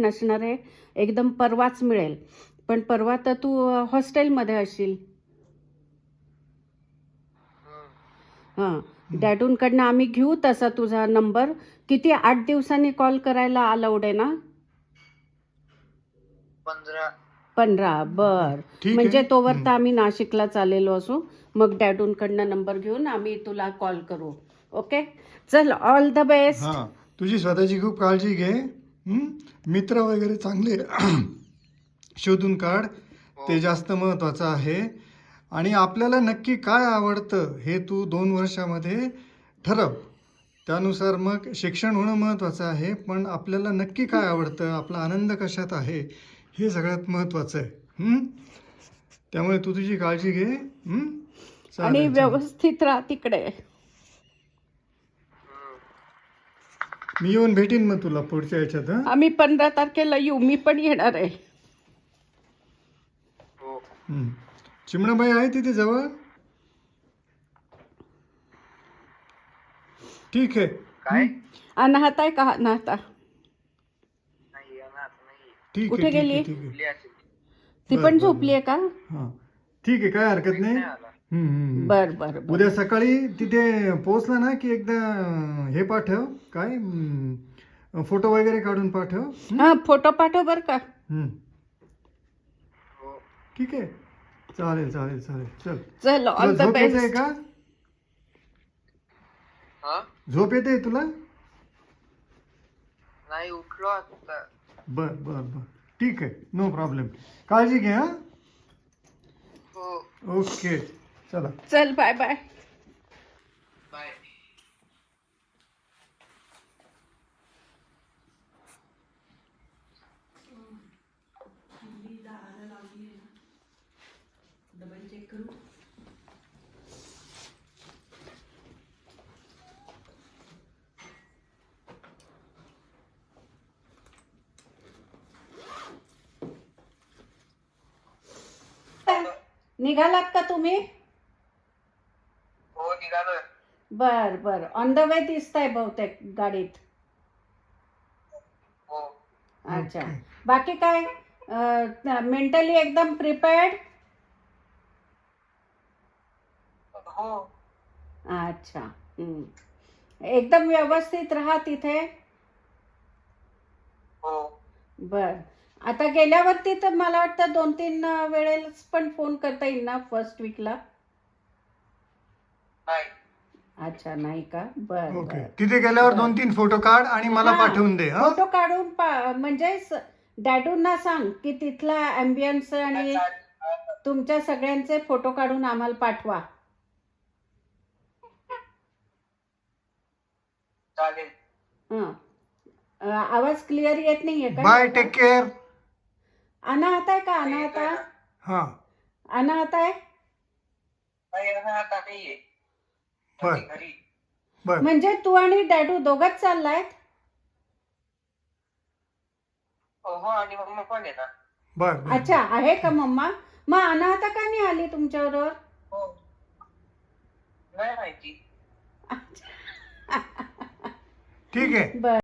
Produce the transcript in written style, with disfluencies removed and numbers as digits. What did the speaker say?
नसणार आहे, एकदम परवाच मिळेल. पण परवा तर तू हॉस्टेलमध्ये असशील. हां, डॅडूंकडनं आम्ही घेऊ तसा तुझा नंबर. किती 8 दिवसांनी कॉल करायला अलाउड आहे ना? 15. बर, ठीक म्हणजे आहे. तोवर तर आम्ही नाशिकला चाललेलो असू. मग डॅडूंकडनं नंबर घेऊन आम्ही तुला कॉल करू. ओके, चल, ऑल द बेस्ट. हां, तुझी स्वतःची खूप काळजी घे. मित्र वगैरे चांगले शोधून काढ, ते जास्त महत्त्वाचं आहे. आणि आपल्याला नक्की काय आवडतं हे तू 2 वर्षामध्ये ठरव. त्यानुसार मग शिक्षण होणं महत्त्वाचं आहे, पण आपल्याला नक्की काय आवडतं, आपला आनंद कशात आहे, हे सगळ्यात महत्त्वाचं आहे. त्यामुळे तू तुझी काळजी घे. आणि चालेल चालेल. व्यवस्थित राहा तिकडे. मी येऊन भेटीन मग तुला पुढच्या याच्यात. आम्ही 15 तारखेला येऊ, मी पण येणार आहे. चिमणाबाई आहे तिथे जवळ? ठीक आहे. काय? अनाहत आहे का? अनाहता नाही अनाथ नाही. ठीक कुठे आहे, ठीक गेली? आहे, ठीक आहे. कुठली असेल? ती बर, पण बर, झोपली आहे का? हां, ठीक आहे, काय हरकत नाही. नाही आला. बर बर बर. उद्या सकाळी तिथे पोहोचला ना की एकदा हे पाठव, काय फोटो वगैरे काढून पाठव. हा, फोटो पाठव बर का. हो. ठीक आहे, चालेल चालेल चालेल. चल, चल, तुला ऑल द झोप येते बेस्ट. का? हा? झोप येते तुला? नाही उठलो आता. बर बर बर, ठीक आहे, नो प्रॉब्लेम. काळजी घे. हां, हो. ओके, चला. चल, बाय बाय. बाय. निघालात का तुम्ही? हो निघालोय. बर बर, ऑन द वे दिसताय बहुतेक गाडीत. हो. अच्छा, बाकी काय? मेंटली एकदम प्रिपेअर्ड? हो. अच्छा. एकदम व्यवस्थित राहा तिथे. हो. बर, आता गेल्यावरती तर मला वाटतं 2-3 वेळेस पण फोन करता येईल ना फर्स्ट वीकला? नाही. अच्छा, नाही का? बर ओके, बर. तिथे गेल्यावर 2-3 फोटो काढ आणि मला हा, पाठवून दे. हा, फोटो काढून म्हणजे डॅडूंना सांग की तिथला ॲम्बियन्स आणि तुमच्या सगळ्यांचे फोटो काढून आम्हाला पाठवा. चालेल. हं. आवाज क्लिअर येत नाहीये का? Bye, take care. अनाहत आहे का? अनाहत आहे? हां, अनाहत आहे? नाही अनाथ नाहीये. बर. घरी. बर, म्हणजे तू आणि डॅडू दोघंच चाललायत? हो आणि मम्मा पण आहे ना. बर बर. अच्छा, आहे का मम्मा? मग अनाहता का नाही आली तुमच्याबरोबर? हो. नाही माहिती. ठीक आहे. बर.